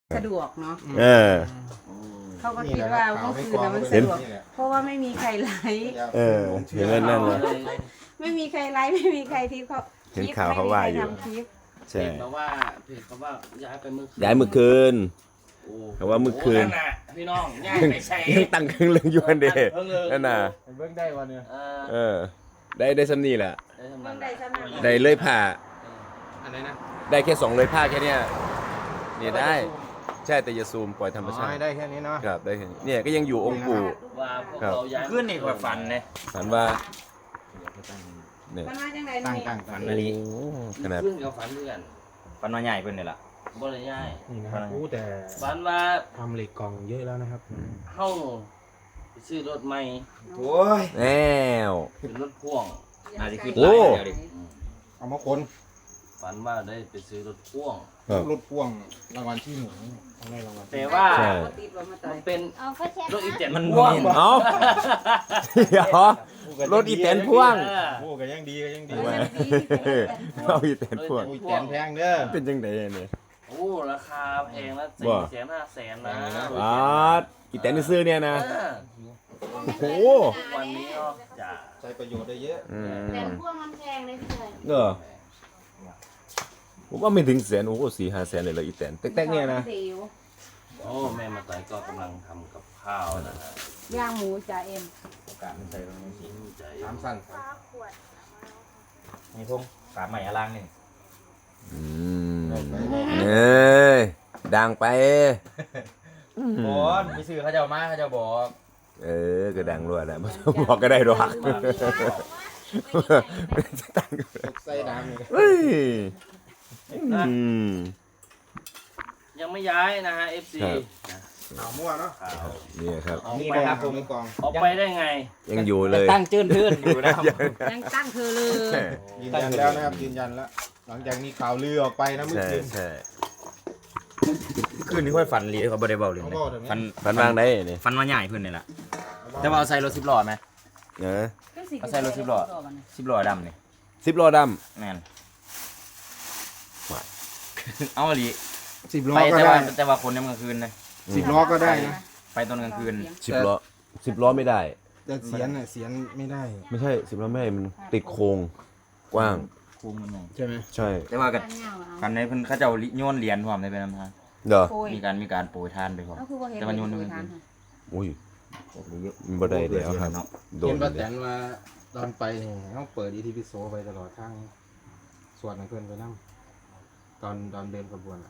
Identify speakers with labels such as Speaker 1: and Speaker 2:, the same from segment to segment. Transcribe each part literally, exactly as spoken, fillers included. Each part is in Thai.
Speaker 1: สะดวกเนาะ
Speaker 2: เออ
Speaker 1: เขาก็คิดว่าเมื่อคืนน่ะมันสะดวกเพราะว่าไม่มีใครไลฟ์
Speaker 2: เออเห็นนั่นเลย
Speaker 1: ไม่มีใครไลฟ์ไม่มีใครที่เขา
Speaker 2: เห็นข่าวเขาว่าอยู่
Speaker 1: ไม่มีใครทำคลิป
Speaker 2: ใช่
Speaker 3: เพจเขาว่าเพจเขาว่าย้ายไปเมื่อคืน
Speaker 2: ย้ายเมื่อคืน
Speaker 3: โอ้
Speaker 2: เขาว่าเมื่อคืน
Speaker 3: โนั่นน่ะพี่น้องย้ายไปใส่
Speaker 2: ยังตั้งเครื่องเรื่องอยู่อันเดะนั่นน่ะ
Speaker 4: เบิ่งได้วันเนี่ย
Speaker 3: เออ
Speaker 2: เออ ได้ได้ซ้ำนี่แหละ
Speaker 3: ได้ทำ
Speaker 1: เพิ่
Speaker 3: นั้
Speaker 1: ง
Speaker 3: น
Speaker 1: ได้สมัคร
Speaker 2: ได้เลยผ่า
Speaker 4: อะไรนะ
Speaker 2: ได้แค่สองเลยผ้าแค่เนี้ยเนี่ยได้ ใช่แต่อย่าซูมปล่อยธรรมชาติ
Speaker 4: ได้แค่นี้เนาะ
Speaker 2: ครับได้แค่นี้เนี่ยก็ยังอยู่องค์ปู่
Speaker 3: ว่าพวกเราย้าย
Speaker 5: ขึ้นนี่ก็ฝันเลย
Speaker 2: ฝันว่าเนี่ย
Speaker 1: มันมาจังไหน
Speaker 4: ตั้ง
Speaker 1: นี่
Speaker 4: ตั้งฝัน
Speaker 2: โอ้ขนาด
Speaker 3: ขึ้นกับฝันเพื่อน
Speaker 5: ฝันว่าใหญ่เพิ่นนี่ล่ะ
Speaker 3: บ่ได้ย้าย
Speaker 4: นี่นะครับอู้แต่
Speaker 3: ฝันว่า
Speaker 4: ทำเหล็กกล่องเยอะแล้วนะครับ
Speaker 3: เฮาไปซื้อรถใหม่
Speaker 5: โอ้ย
Speaker 2: แล้ว
Speaker 3: เป็นรถพ่วง
Speaker 5: น่าจะขึ้น
Speaker 2: โอ้
Speaker 5: หลายเดียวดิ
Speaker 4: เอามาคน
Speaker 3: ฝันว่าได้ไปซื้อรถพ่วง
Speaker 2: ครับ
Speaker 4: รถพ่วงรางวัลที่หนึ่งต้องได้รางวัล
Speaker 3: แต่ว่า
Speaker 2: ใช่
Speaker 1: ติดลมมาต่อ
Speaker 3: มั
Speaker 1: ย
Speaker 3: นเป็น
Speaker 1: เอาก็แชร์
Speaker 3: รถอีแตน
Speaker 5: มัน
Speaker 3: พ่วง
Speaker 5: มี
Speaker 2: เอาเดี๋ยวรถอีแตนพ่วง
Speaker 3: เออ
Speaker 4: โอ้ก็ยังดีก็ยังดี
Speaker 2: เอาอีแตนพ่วง
Speaker 4: อุ้ยแตนแพงเด้อ
Speaker 2: เป็นจังไดเนี่ย
Speaker 3: โอ้ราคาแพงนะ
Speaker 2: บ่
Speaker 3: สี่แสนห้าแสนนะ
Speaker 2: อ๋ออีแตนซื้อเนี่ยนะ
Speaker 3: เออ
Speaker 2: โอ้โห
Speaker 3: วันนี้เนาะจ้ะ
Speaker 4: ใช้ประโยชน์ได้เยอะ
Speaker 2: อื
Speaker 1: แต่
Speaker 2: ม
Speaker 1: พวกมันแพงเลยพี่เลย
Speaker 2: เออผมว่าไม่ถึงแสนโอ้โหสี่ห้าแสนเลยเลยอีแตนแต๊กๆเนี่ยนะ
Speaker 1: ดี๋ว
Speaker 3: โอ้แม่มาต่อยก็กำลังทำกับข้าวนะฮะ
Speaker 1: ย่างหมูจ่าเอ็ม
Speaker 5: โอกาสมันใส่ลงนี้
Speaker 3: ใจ
Speaker 4: สามสั้น
Speaker 5: มีพงกาบใหม่อลังนี่
Speaker 2: อืมเอ้ยดังไป
Speaker 5: โอ้ยมีสื่อเขาเจ้ามาเขาเจ้าบอก
Speaker 2: เออก็ดังรวดแหละไม่ต้องบอกก็ได้หรอก
Speaker 4: ตกใส่น้ำเลย
Speaker 2: เฮ้ยอืม
Speaker 3: ยังไม่ย้ายนะฮะ เอฟ ซี
Speaker 2: ครับ
Speaker 4: เอามั่วเนาะ
Speaker 3: ข่าว
Speaker 2: นี่ครับ
Speaker 4: นี่นะครับผมกอง
Speaker 3: ออกไปได้ไง
Speaker 2: ยังอยู่เลย
Speaker 5: ตั้งจื้นพื้นอยู่นะครับ
Speaker 1: ยังตั้งเธอเลย
Speaker 4: ยืนยันแล้วนะครับยืนยันแล้วหลังจากมีข่าวลือออกไปนะเมื่อ
Speaker 2: ใช่
Speaker 4: คืน
Speaker 2: ใช่
Speaker 5: คืนนี้ค่อยฝันลีเขาบ่ได้เบาเลย
Speaker 4: เขา
Speaker 5: นะ
Speaker 4: บอกแบบนี้
Speaker 5: ฝัน
Speaker 2: ฟันวางได้เนี่ย
Speaker 5: ฝันว่าใหญ่เพิ่นนี่ล่ะแต่ว่าเอาใส่รถสิบล้อไหม
Speaker 2: เนอะ
Speaker 5: เอาใส่รถสิบล้อ สิบล้อดำนี่
Speaker 2: สิบล้อด
Speaker 5: แม่นเอาอีหลี
Speaker 4: สิบล้อ
Speaker 5: ไป
Speaker 4: ก็
Speaker 5: แต่
Speaker 4: ได้
Speaker 5: ว่าแต่ว่าคนในกลางคืนนะ
Speaker 4: สิบล้อก็ได้นะ
Speaker 5: ไปตอนกลางคืน
Speaker 2: ำสิบล้อสิบล้อไม่ได้
Speaker 4: แต่เสียนน่ะเสียนไม่ได้
Speaker 2: ไม่ใช่สิบล้อไม่ได้มันติดโครงกว้าง
Speaker 5: คูมันใหญ่
Speaker 4: ใช่ไหม
Speaker 2: ใช่
Speaker 5: แต่ว่าก็ฝันในเพิ่นเขาเจ้าโยนเหรียญพร้อมในเป็นนำทาง
Speaker 2: เด้อ
Speaker 1: โอ้ย
Speaker 5: มีการมีการโปรยทานไปพร้อม
Speaker 1: ก็คือว่าเห็น
Speaker 5: แต่มันโยน
Speaker 1: เล
Speaker 5: โย
Speaker 1: ย
Speaker 5: น
Speaker 1: ทาน
Speaker 2: อุ้ยมันบ่ได้แล้วครับโด
Speaker 4: เห็
Speaker 2: น
Speaker 4: นป้าแตนว่าตอนไปนี่ต้องเปิดอีทีพิโซไปตลอดทางสวดให้เพื่อนไปนั่งตอนตอนเดินขบวนอะ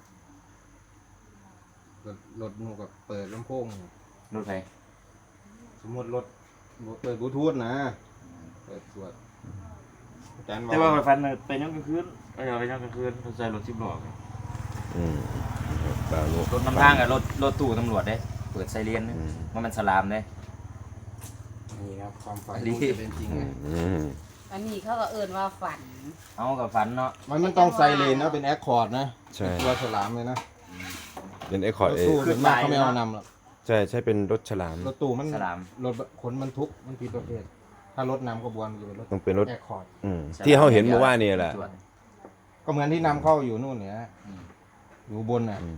Speaker 4: รถรถหนูกับเปิดลำโพง
Speaker 5: รถไฟ
Speaker 4: สมมติรถเปิดบลูทูธนะเปิดสวดอาจารย์
Speaker 5: แต่ว่าไปฟันไปยังกลางคืนเออไปยังกลางคืนเขาใส่รถสิบล้อไง
Speaker 2: อืมปลาลูก
Speaker 5: รถนำทางกับรถรถตู้ตำรวจเด้เปิดไซเรนนะ
Speaker 2: อืม
Speaker 5: ว่ามันสลามเด้
Speaker 4: นี่ครับความฝัน
Speaker 5: ดี
Speaker 4: ที่จะเป็นจริง
Speaker 2: อื
Speaker 4: นะ
Speaker 2: มอืม
Speaker 1: อันนี้เขาก็เอิ่นว่าฝัน
Speaker 5: เอากับฝันเนาะ
Speaker 4: มันมันต้องไซเรนนะเป็นแอคคอร์ดนะ
Speaker 2: ใช่
Speaker 4: ตัวฉลามเลยนะ
Speaker 2: เป็นไอคอร์ด
Speaker 4: รถ
Speaker 2: เอ
Speaker 4: ตู้ส่วนมากเขาไม่เอานำหรอก
Speaker 2: ใช่ใช่เป็นรถฉลาม
Speaker 4: รถตู้มัน
Speaker 5: สลาม
Speaker 4: รถขนบรรทุกมันผิดประเภทถ้ารถนำขบวนมันจะเป็นรถ
Speaker 2: ต้องเป็นรถ
Speaker 4: แอคคอร์ด
Speaker 2: อืมที่เขาเห็นเมื่อวานนี่แหละ
Speaker 5: ตรวจ
Speaker 4: ก็เหมือนที่นำเข้าอยู่นู่นเนี่ย
Speaker 5: อืม
Speaker 4: อยู่บนน่ะ
Speaker 2: อืม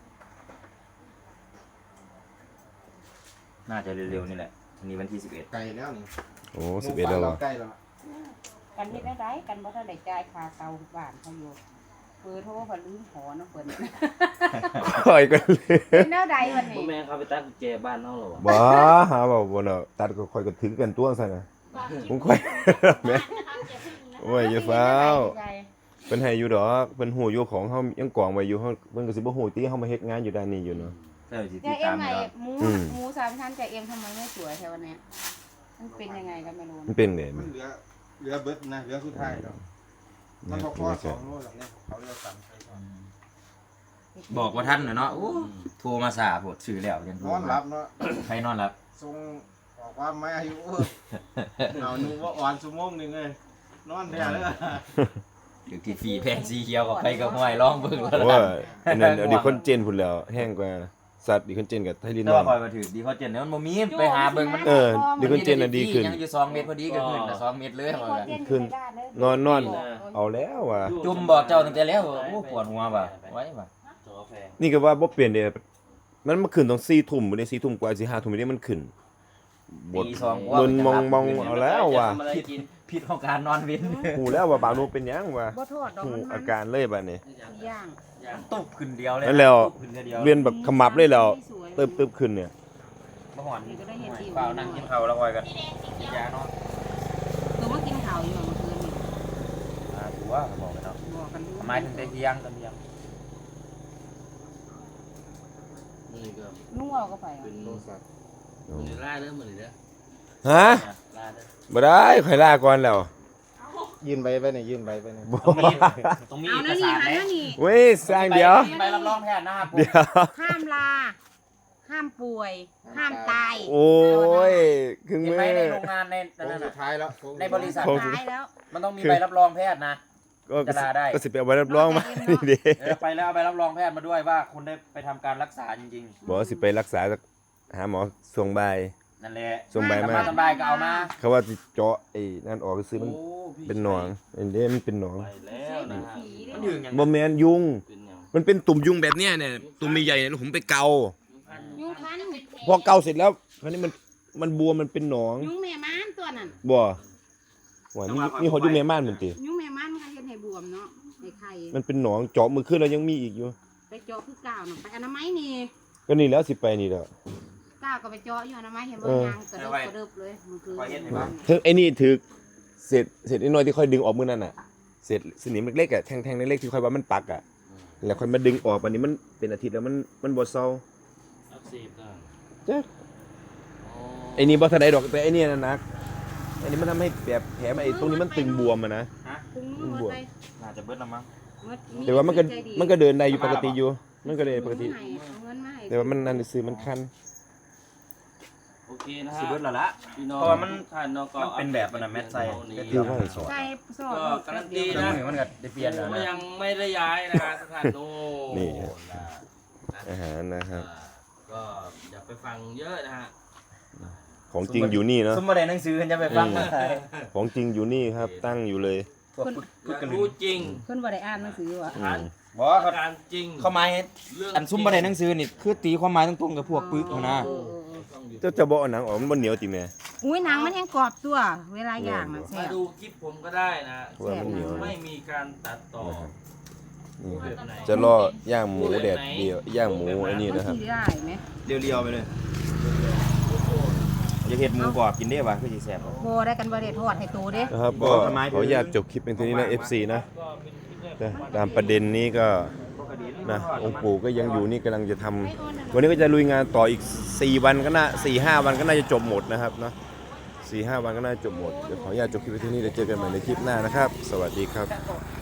Speaker 5: น่าจะเร็วๆนี่แหละวันนี้วันที่สิบเอ็ด
Speaker 4: ไกลแล้วนี่
Speaker 2: โอ้สิบเอ็ดแล้วเหรอ
Speaker 4: ใกล้แล้ว
Speaker 1: กันเฮ็ดได้ไรกันบ่ทันได้จ่ายค่าเตาบ้านเขาอยู่เปิดโทรเขาลืมหอน้ำเปิด
Speaker 2: คอยกันเลย
Speaker 1: เป็นแนวใดวัน
Speaker 3: พ่อ
Speaker 1: นี้
Speaker 3: แม่เขาไปตั้งกุญแจบ้านเขาเหรอวะ
Speaker 2: บ้าหาบอกบนเอาตัดก็คอยก็ถือกันตัวซะนะผมคอยแม่โอ้ยอย่าฟ้าวเป็นให้อยู่ดอกเป็นหูอยู่ของเฮายังกองไว้อยู่เฮาเพิ่นก็สิบ่ฮู้ติเฮามาเฮ็ดงานอยู่ด้านนี้อยู่เนาะ
Speaker 5: เออสิติ
Speaker 1: จ่า
Speaker 5: ด
Speaker 1: เอ็
Speaker 5: ตาม ม
Speaker 1: ให
Speaker 5: อ
Speaker 1: ม่
Speaker 5: ยู่แล้ว
Speaker 1: หมู
Speaker 2: อืม
Speaker 1: หมูสามชั้นจ่าเอ็มทำไมไม่สวยแถววันเนี้ยมันเป็นยังไงกันไม่รู้
Speaker 2: มันเป็นไง
Speaker 4: มั
Speaker 2: มัน น
Speaker 4: เหลือเหลือเบิดนะเหลือสุดท้ายแล้วมันพอข้อสองโน่นหลังเนี่ยเขาเรียกสามใส่ก่อน
Speaker 5: บอกว่าท่านน่ะเนาะโอ้โทรมาสาโพดชื่อแล้วยังโท
Speaker 4: น
Speaker 5: ร
Speaker 4: อน
Speaker 5: มา
Speaker 4: หลับเนาะ
Speaker 5: ใครนอนหลับ
Speaker 4: ทรงออกว่าไม่อายุเอาหนูว่าอ่อนชั่วโมงหนึ่งเลยนอนแท้เลย
Speaker 5: อยู่ที่ฟรีแพงสีเขียวกับไปกับห้อยร้องเบิ่งแล้ว
Speaker 2: โอ้ยอันนั้นเอาดิคอนเจนพุ่นแล้วแห้งกว่าสัตว์ดิคอนเจนกับไทลิน
Speaker 5: แต่
Speaker 2: นอ
Speaker 5: ว่าน คอยมาถือดีเขาเจนเนี่ยมันบ่มีไปหาเบิ่งมัน
Speaker 2: เออดิคอนเจนน่ะดีขึ้น
Speaker 5: ยังอยู่สองเมตรพอดีก็ขึ้นแต่สองเมตรเลยว่ากัน
Speaker 2: ขึ้น นอนนอนเอาแล้วว่ะ
Speaker 5: จุ่มบอกเจ้าตั้งแต่แล้วว่าโอ้ปวดหัวว่ะไว้ว่ะ
Speaker 3: จอก็แพง
Speaker 2: นี่ก็ว่าบ่เปลี่ยนเด้มันมาขึ้นตรงสี่ทุ่มบ่ได้สี่ทุ่มกว่าสิห้าทุ่มนี่มันขึ้นบด
Speaker 5: ตีสอง
Speaker 2: โดนมองมองเอาแล้วว่ะ
Speaker 5: ผิดผิดของการนอนเว้น
Speaker 2: หูแล้วว่าบางนูเป็นหยังว่ะ
Speaker 1: บ่ทอดดอก
Speaker 2: หู
Speaker 1: มันมั
Speaker 2: อาน การเลยบัดนี้
Speaker 1: ย่าง
Speaker 5: ตุบขึ้นเดียวเลย
Speaker 2: นั่นแล้ว
Speaker 5: ตุบขึ้นเดียว
Speaker 2: เวียนแบบขมับเลยแล้ว
Speaker 1: สวย
Speaker 2: ตึบตึบขึ้นเนี่ย
Speaker 5: บ่หอน
Speaker 1: นี่ก็ได้เห็นดี
Speaker 5: เปล่านั่งกินข้าวแล้วคอยกันกินยาเนาะ
Speaker 1: ตัวมากินข้าวอยู่เมื่อคืนนี่
Speaker 5: อ่าถือว่าเขาบอกกันเนาะ
Speaker 1: บอกกันอยู่
Speaker 5: ทำไมถึงได้เที่ยงตอนเที่ยง
Speaker 3: นี่ก็
Speaker 1: นุ่งเอาก็ไปเอา
Speaker 3: เป็น
Speaker 4: โทรศัพท์
Speaker 3: มือล่าเด้อมือนี่เด้อ
Speaker 2: ฮะ
Speaker 3: ล่าเด้อ
Speaker 2: บ่ได้ข่อยลาก่อนแล้ว
Speaker 4: ยื่นใบไปเนี่ยยื่นใบไปเนี่ย
Speaker 2: บ่
Speaker 5: ต้องมี
Speaker 1: เอา
Speaker 5: เอก
Speaker 1: นะ
Speaker 5: สาร
Speaker 1: นี่
Speaker 5: ไหม
Speaker 1: หานะนี่
Speaker 2: เว้ยสร้างเดี๋ยว
Speaker 5: มีใบรับรองแพทย์นะครับผม
Speaker 2: เดี๋ยว
Speaker 1: ห้ามลา ห้ามป่วย ห้ามตาย
Speaker 2: โอ้ยครึ่ง
Speaker 5: เห็น
Speaker 2: มื
Speaker 5: ไหม
Speaker 2: อ
Speaker 5: ในโรงงานใน
Speaker 4: โค้ง
Speaker 5: นั่น
Speaker 4: สุ
Speaker 5: น่ะ
Speaker 4: ดท้ายแล้วโค้ง
Speaker 5: ในบริษัท
Speaker 2: โค้ง
Speaker 1: ตายแล้ว
Speaker 5: มันต้องมีใบรับรองแพทย์นะ
Speaker 2: ก็
Speaker 5: จะลาได้
Speaker 2: ก็สิไปเอาใบรับรองมานี่เด้
Speaker 5: เออไปแล้วเอาใบรับรองแพทย์มาด้วยว่าคุณได้ไปทำการรักษาจริง
Speaker 2: บอกว่าสิไปรักษาหาหมอส่วงบ่าย
Speaker 5: ๆ นั่นแหละ
Speaker 2: ส่งใบมา
Speaker 5: ตอนบ่ายก็เอามา
Speaker 2: เขาว่าสิเจาะไอ้นั่นออกซื้อมัน
Speaker 3: โอ้พี่
Speaker 2: เป็นหนองไอ้เด้มันเป็นหนอง
Speaker 3: ไปแล้วนะฮะ
Speaker 5: มันถึงอย่าง
Speaker 2: บ่แม่นยุง
Speaker 3: เป็นหยัง
Speaker 2: มันเป็นตุ่มยุงแบบเนี้ยเนี่ยตุ่มใหญ่ๆเนี่ยผมไปเกา
Speaker 1: ยุงคัน
Speaker 2: พอเกาเสร็จแล้วคราวนี้มันมันบวมมันเป็นหนอง
Speaker 1: ยุงแม่ม้านตัวนั้น
Speaker 2: บ่ว่านี่นี่หอดอยู่แม่ม่านเหมือนติ
Speaker 1: ยุงแม่ม้านมันก็เฮ็ดให้บวมเนาะในไข่
Speaker 2: มันเป็นหนองเจาะมือขึ้นแล้วยังมีอีกอยู่
Speaker 1: ไปเจาะคือก้าวน่ะไปอนามัยนี่
Speaker 2: ก็นี่แล้วสิไปนี่แล้ว
Speaker 1: ก้าวก็ไปเจาะอยู่อนามัยเห็นบ่
Speaker 2: เออ
Speaker 1: ยางกระเดิบกระเดิบเลยมันคือ
Speaker 5: คอยเห็นไหมบ้าง
Speaker 2: ถึงไอ้นี่ถือเศษเศษน้อยๆที่ค่อยดึงออกมือนั่นน่ะเศษสนิมเล็กๆอ่ะแท่งๆเล็กๆที่ค่อยว่ามันปักอ่ะแล้วค่อยมาดึงออกวันนี้มันเป็นอาทิตย์แล้วมันมันบ่เซา
Speaker 3: อักเสบต่าง
Speaker 2: จ้ะ
Speaker 3: อ๋อ
Speaker 2: ไอ้นี่บ่ทันได้ดอกแต่ไอ้นี่น่ะหนักไอ้นี่มันทำให้แบบแผลมันไอ้ตรงนี้มันตึงบวมอ่ะนะ
Speaker 1: คุงมือหมดเลย
Speaker 5: น่าจะเบิดละมั้ง
Speaker 1: หมด
Speaker 2: แต่ว่ามันก็
Speaker 1: ใจดี
Speaker 2: มันก็เดินได้อยู่ปกติอยู่มันก็เดินปกติ
Speaker 1: เอาเงินมาให้
Speaker 2: แต่ว่ามันนั่นซื้อมันคัน
Speaker 3: โอเคนะ
Speaker 5: สิ
Speaker 3: ฮะ
Speaker 5: เบิดและละ
Speaker 3: พี่น้อง
Speaker 5: เพราะว่ามัน
Speaker 3: ท่านเนาะก็
Speaker 5: มันเป็นแบบมันน่ะแมทไซด์
Speaker 3: นี่
Speaker 2: คือว่าให้สอน
Speaker 1: ใส่ซอส
Speaker 3: ก็การันตี
Speaker 5: เครื่อง
Speaker 3: นะ
Speaker 5: มือมันก็ได้เปลี่ยนแล้ว
Speaker 3: ก็
Speaker 5: นะ
Speaker 3: ยังไม่ได้ย้ายนะฮะสถานโน้
Speaker 2: นี่
Speaker 3: นะ
Speaker 2: อาหารนะครับ
Speaker 3: อ่าก็อย่าไปฟังเยอะนะฮะ
Speaker 2: ของจริงอยู่นี่เนาะ
Speaker 5: ซุ่มมาได้หนังสือกันจะไปฟัง
Speaker 2: อืม ของจริงอยู่นี่ครับ ตั้งอยู่เลย
Speaker 5: พวกปึ๊ก
Speaker 3: อ
Speaker 5: ปึ๊ก
Speaker 3: ยาก
Speaker 5: กันเล
Speaker 3: รู้
Speaker 5: ย
Speaker 3: จริง
Speaker 1: เพิ่นบ่ได้อ่านหนังสือว่ะ
Speaker 2: อืม
Speaker 5: บอกเขา
Speaker 3: การจริง
Speaker 5: เข้ามาให้
Speaker 3: เรื่อง
Speaker 5: อันซุ่มมาได้หนังสือนี่คือตีความหมายตรงๆกับพวกปึ๊กเขานะ
Speaker 1: เออเออเออ
Speaker 3: ต้องอยู่
Speaker 2: เจ้าจะบอกเอาหนังออกมันบ่เหนียวติแม่
Speaker 1: อุ้ยหนังมันแห้งกรอบตัว เวลาย่างน่ะแซ่
Speaker 3: มา
Speaker 1: บ
Speaker 3: ดูคลิปผมก็ได้นะ
Speaker 2: ว่ามันเหนียว
Speaker 3: ไม่มีการตัดต่อ
Speaker 2: นี่
Speaker 3: แบบไหน
Speaker 2: จะล่อย่างหมูแดดเดียวย่างหมูไอ้นี่
Speaker 1: มัน
Speaker 2: นะครับ
Speaker 1: สิได้ไหม
Speaker 5: เรียวๆไปเลยอย่าเห็ดหมูกรอบกินได้ป่ะคือสิแซ่บบ่
Speaker 1: บ่ได้กันบ่ได้ทอดให้โตเด้
Speaker 2: นะครับก็ขออนุญาตจบคลิปเป็นทีนี้นะ เอฟ ซี นะ
Speaker 3: ก็เป็นคลิปแรก
Speaker 2: แต่ตามประเด็นนี้ก็นะองค์ปู่ก็ยังอยู่นี่กำลังจะทำวันนี้ก็จะลุยงานต่ออีกสี่วันก็น่าสี่ห้าวันก็น่าจะจบหมดนะครับเนาะสี่ห้าวันก็น่าจะจบหมดเดี๋ยวขออนุญาตจบคลิปไว้ที่นี่เดี๋ยวเจอกันใหม่ในคลิปหน้านะครับ สวัสดีครับ